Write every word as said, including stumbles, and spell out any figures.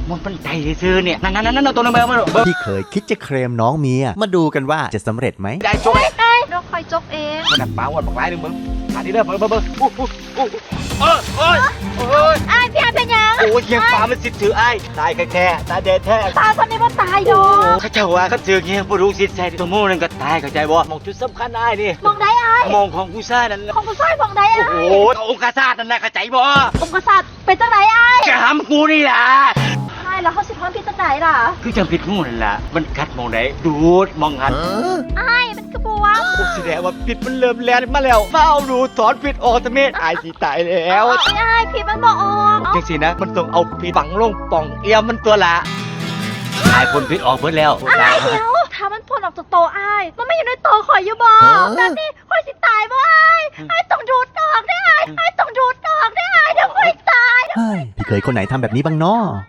มันเป็นใจซื้อเนี่ยนั่นนั่นนั่นตัวนึงมาเบิ้งพี่เคยคิดจะเคลมน้องเมียมาดูกันว่าจะสำเร็จไหมได้จบไอ้เราคอยจบเองมันหนักเปล่าวันบอกไล่หนึ่งมึงอันนี้เด้อเบิ้งเบิ้งเบิ้งอู้อู้อู้เออเอ้ยเอ้ยไอ้พี่ไอ้เป็นยังโอ้ยเงี้ยฟ้ามันสิถือไอ้ตายแค่ตายเด็ดแท้ตายคนนี้ว่าตายดอกเขาเจ้าว่าเขาเจอเงี้ยผู้รู้สิทธิ์ใจตัวมู่นั่นก็ตายเข้าใจบ่มองจุดสำคัญไอ้นี่มองได้ไอ้มองของผู้ชายนั่นของผู้ชายมองได้โอ้ไอ้โหองค์กษัตริย์นั่นแหละเข้าใจบ่องค์กษัตริย์เป็นจังไหนไอ้จะทำกูนี่ล่ะไอ้แล้วเขาสิทอนพี่จังไหนล่ะคือจำผิดงูนั่นล่ะมันกัดมองไหนดูดมองหันไอ้มันกระบวงโอ้แสดงว่าผิดมันเริ่มแลนมาแล้วเฝ้าดูสอนผิดออกตะเมดอายสิตายแล้วไอ้พี่มันบอกออกจังสินะมันต้องเอาผิดฝังลงป่องเอียมมันตัวละอายคนผิดออกเบิดแล้วไอ้เดี๋ยวถ้ามันพ่นออกจากโตไอ้มันไม่อยู่ในโตข่อยอยู่บ่แบบนี้ข่อยสิตายบ่ไอ้ไอ้ต้องดูดออกได้ไอ้ไอ้ต้องดูดออกได้ไอ้เดี๋ยวข่อยตายเฮ้ยพี่เคยคนไหนทำแบบนี้บ้างน้อ